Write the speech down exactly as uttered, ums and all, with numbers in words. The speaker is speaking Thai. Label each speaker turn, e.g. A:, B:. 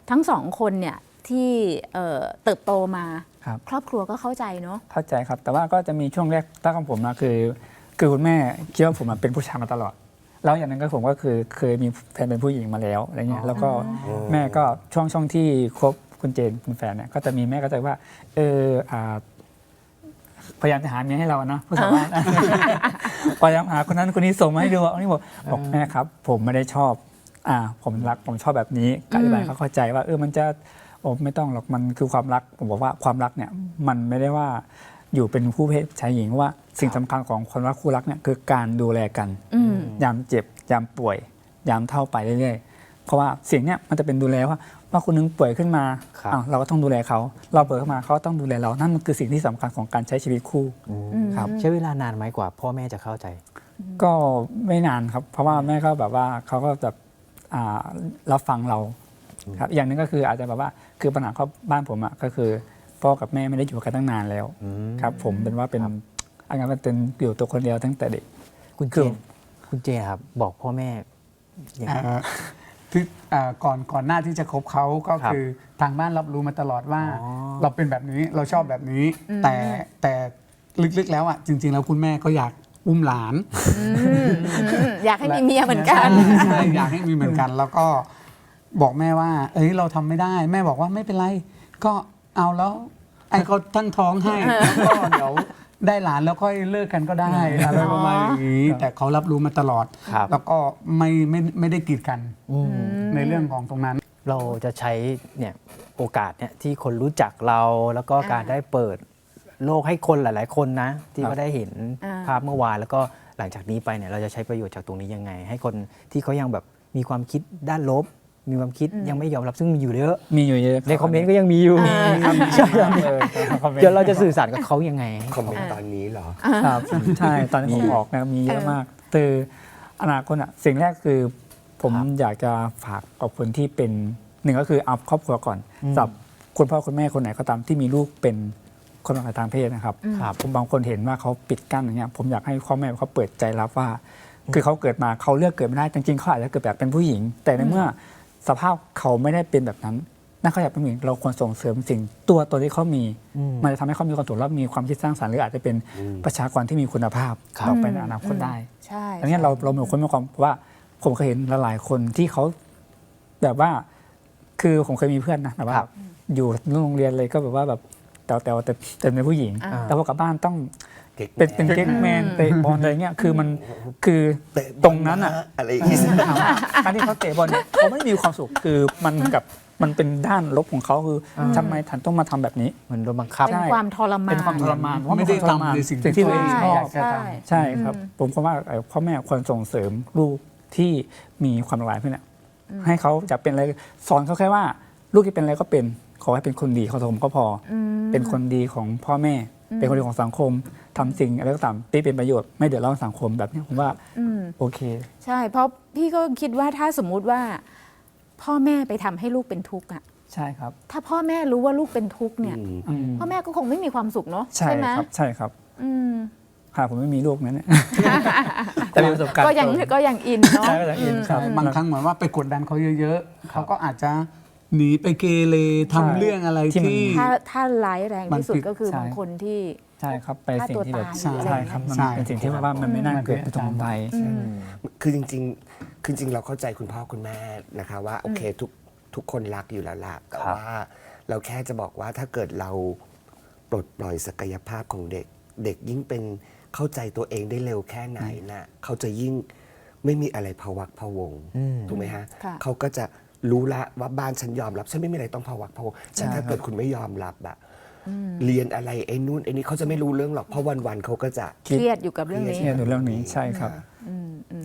A: ทั้งสองคนเนี่ยที่เอ่อเติบโตมา
B: ครับ
A: ครอบครัวก็เข้าใจเนาะ
B: เข้าใจครับ แต่ว่าก็จะมีช่วงแรกตั้งของผมนะคือคือคุณแม่คิดว่าผมเป็นผู้ชายมาตลอดแล้วอย่างนั้นก็ผมก็คือเคยมีแฟนเป็นผู้หญิงมาแล้วอะไรเงี้ยแล้วก็แม่ก็ช่วงช่วงที่คบคุณเจนคุณแฟนเนี่ยก็จะมีแม่ก็จะว่าเอออ่าพยายามจะหาเมียให้เรานะผู้สาวบ้านพยายามหาคนนั้นคนนี้ส่งมาให้ดูอันนี้บอกบอกแม่ครับ ผมไม่ได้ชอบอ่าผมรักผมชอบแบบนี้ก็อธิบายเขาเข้าใจว่าเออมันจะโอ้ไม่ต้องหรอกมันคือความรักผมบอกว่าความรักเนี่ยมันไม่ได้ว่าอยู่เป็นคู่เพศชายหญิงว่าสิ่งสำคัญของคนรักคู่รักเนี่ยคือการดูแลกันยามเจ็บยามป่วยยามเท่าไปเรื่อยๆเพราะว่าสิ่งเนี้ยมันจะเป็นดูแลว่าว่าคนนึงป่วยขึ้นมาอ้าวเราก็ต้องดูแลเขาเราป่วยขึ้นมาเขาต้องดูแลเรานั่นมันคือสิ่งที่สำคัญของการใช้ชีวิตคู่ครับ
C: ใช้เวลานานไหมกว่าพ่อแม่จะเข้าใจ
B: ก็ไม่นานครับ เพราะว่าแม่ก็แบบว่าเขาก็แบบอ่ารับฟังเราครับอย่างหนึงก็คืออาจจะแบบว่าคือปัญหาครอบบ้านผมอ่ะก็คือพ่อกับแม่ไม่ได้อยู่กันตั้งนานแล้วครับ ผมเป็นว่าเป็นอันนั้นเป็นอยู่ตัวคนเดียวตั้งแต่เด็ก
C: คุณเจ
B: คือ
C: นคุณเจนครับบอกพ่อแม่อย่างไร
D: อ่าคืออ่าก่อนก่อนหน้าที่จะคบเขาก็
C: ครับ
D: คือทางบ้านรับรู้มาตลอดว่า
C: อ๋อ
D: เราเป็นแบบนี้เราชอบแบบนี้ แต่แต่ลึกๆแล้วอ่ะจริง ๆ แล้วคุณแม่ก็อยากอุ้มหลาน
A: อยากให้มีเมียเหมือนกัน
D: ใช่อยากให้มีเหมือนกัน แล้วก็บอกแม่ว่า เอ้ยเราทำไม่ได้ แม่บอกว่าไม่เป็นไร ก็เอาแล้ว ไอ้เขาตั้งท้องให้แล้วก็เดี๋ยวได้หลานแล้วค่อยเลิกกันก็ได้อะไรประมาณอย่างนี้ แต่เขารับรู้มาตลอด
C: ครับ
D: แล้วก็ไม่ไม่ไม่ได้กีดกันในเรื่องของตรงนั้น
C: เราจะใช้เนี่ยโอกาสเนี่ยที่คนรู้จักเราแล้วก็การได้เปิดโลกให้คนหลาย ๆ คนนะที่เขาได้เห็น
A: อ่า
C: ภาพเมื่อวานแล้วก็หลังจากนี้ไปเนี่ยเราจะใช้ประโยชน์จากตรงนี้ยังไง ให้คนที่เขายังแบบมีความคิดด้านลบ มีความคิดยังไม่ยอมรับซึ่งมีอยู่เยอะ
B: มีอยู่เยอะ
C: ในคอมเมนต์ก็ยังมีอยู่
B: ใช่ครับเออคอมเมนต์
C: เดี๋ยวเราจะสื่อสารกับเขายังไง
E: คอมเมนต์ตอนนี้เหรอ
B: ครับใช่ตอนนี้ผมออกนะมีเยอะมากคืออนาคตอ่ะสิ่งแรกคือผม
C: ครับ
B: อยากจะฝากกับคนที่เป็นหนึ่งก็คือเอาครอบครัวก่อนสำหรับคุณพ่อคุณแม่คนไหนก็ตามที่มีลูกเป็นคนหลากหลายทางเพศนะครับ
C: ครับ
B: ผมบางคนเห็นว่าเขาปิดกั้นอย่างเงี้ยผมอยากให้พ่อแม่เขาเปิดใจรับว่า คือเขาเกิดมาเขาเลือกเกิดไม่ได้จริงๆเขาอาจจะเกิดแบบเป็นผู้หญิง แต่ในเมื่อสภาพเขาไม่ได้เป็นแบบนั้นนั่นเขาอยากเป็นผู้หญิงเราควรส่งเสริมสิ่งตัวตนที่เขามี มันจะทำให้เขามีความสุขและมีความคิดสร้างสรรค์หรืออาจจะเป็นประชากรที่มีคุณภาพต่อไปในอนาคตได้
A: ใช่
B: อันนี้เราเรามีคนมีความว่าผมเคยเห็นหลายๆคนที่เขาแบบว่าคือผมเคยมีเพื่อนนะแบบว่า
C: ครับ
B: อยู่โรงเรียนเลยก็แบบว่าแบบแต่แต่แต่แต่เป็นผู้หญิง
A: อ่า
B: แต่พอกลับบ้านต้อง
E: เก๊ก
B: เป็นเป็น
E: แมน
B: เก๊กแมนเตะบอลอะไรเงี้ยคือมันคือ
E: เตะบอล
B: ตรงนั้นอ่ะ
E: อะไรอย่างงี้
B: ถามว่าการที่เขาเตะบอลเนี่ยเขาไม่มีความสุขคือมันกับมันเป็นด้านลบของเขาคืออทำไมฉันต้องมาทำแบบนี้
C: เหมือนโดนบังคับ
A: เป็นความทรมาน
B: เป็นความทรมานเพราะ
D: ไม่
B: น
D: ได้
B: ควาทรมาน
D: ทำในสิ่ง
B: สิ่ง
D: ที่
B: ที่ตัวเองชอบ
D: อยากจะท
A: ใช่
B: ใช่ครับ ผมคิดว่าเอ่อพ่อแม่ควรส่งเสริมลูกที่มีความหลากหลายพวกเนี้ยให้เขาจะเป็นอะไรสอนเขาแค่ว่า ลูกที่เป็นอะไรก็เป็นขอให้เป็นคนดีของสังคมก็พออเป็นคนดีของพ่อแม่ เป็นคนดีของสังคมทำสิ่งอะไรก็ตามที่เป็นประโยชน์ไม่เดือดร้อนสังคมแบบนี้ผมว่า
A: อืม
B: โอเค
A: ใช่ เพราะพี่ก็คิดว่าถ้าสมมุติว่า พ่อแม่ไปทำให้ลูกเป็นทุกข์อะ
B: ใช่ครับ
A: ถ้าพ่อแม่รู้ว่าลูกเป็นทุกข์เนี่ย
B: อืม
A: พ่อแม่ก็คงไม่มีความสุขเนาะ
B: ใช่
A: ไหม
B: ครับใช่ครับ
A: อืม
B: ค่ะผมไม่มีลูกนั้นเนี่ยแต่มีประสบการณ์
A: ก็ยังก็ยังอินเนาะ
B: ใช่ก็ยังอินครับ
D: ำบางครั้งเหมือนว่าไปกดดันเขาเยอะๆเขาก็อาจจะหนีไปเกเรทำเรื่องอะไร
B: ที่มัน
D: ที่
A: ถ้าถ้าร้ายแรงที่สุด
D: มันผิด
A: ก็คือ
B: ใช่
A: บางคนที่
B: ใช่ครับไปสิ่งที่แบบ
A: ฆ่าตัวตาย
B: ใช่ครับมัน
D: ใช่
B: เป็นสิ่งที่ว่ามันไม่น่าเกิดไปตรงไป
E: คือจริงๆคือจริงๆเราเข้าใจคุณพ่อคุณแม่นะคะว่าโอเคทุกทุกคนรักอยู่แล้วล่ะแต่ว่าเราแค่จะบอกว่าถ้าเกิดเราปลดปล่อยศักยภาพของเด็ก เด็กยิ่งเป็นเข้าใจตัวเองได้เร็วแค่ไหนน่ะเขาจะยิ่งไม่มีอะไรพะวักพะวงถูกไหมฮะ
A: ค่ะ
E: เขาก็จะรู้ละว่าบ้านฉันยอมรับฉันไม่มีอะไรต้องพะวักพะวงแต่ถ้าเกิดคุณไม่ยอมรับอะเรียนอะไรไอ้นู่นไอ้นี่เขาจะไม่รู้เรื่องหรอกเพราะวันๆเขาก็จะ
A: เครียดอยู่กับเรื่องนี้
B: เนี่ยในเรื่องนี้ใช่ครับ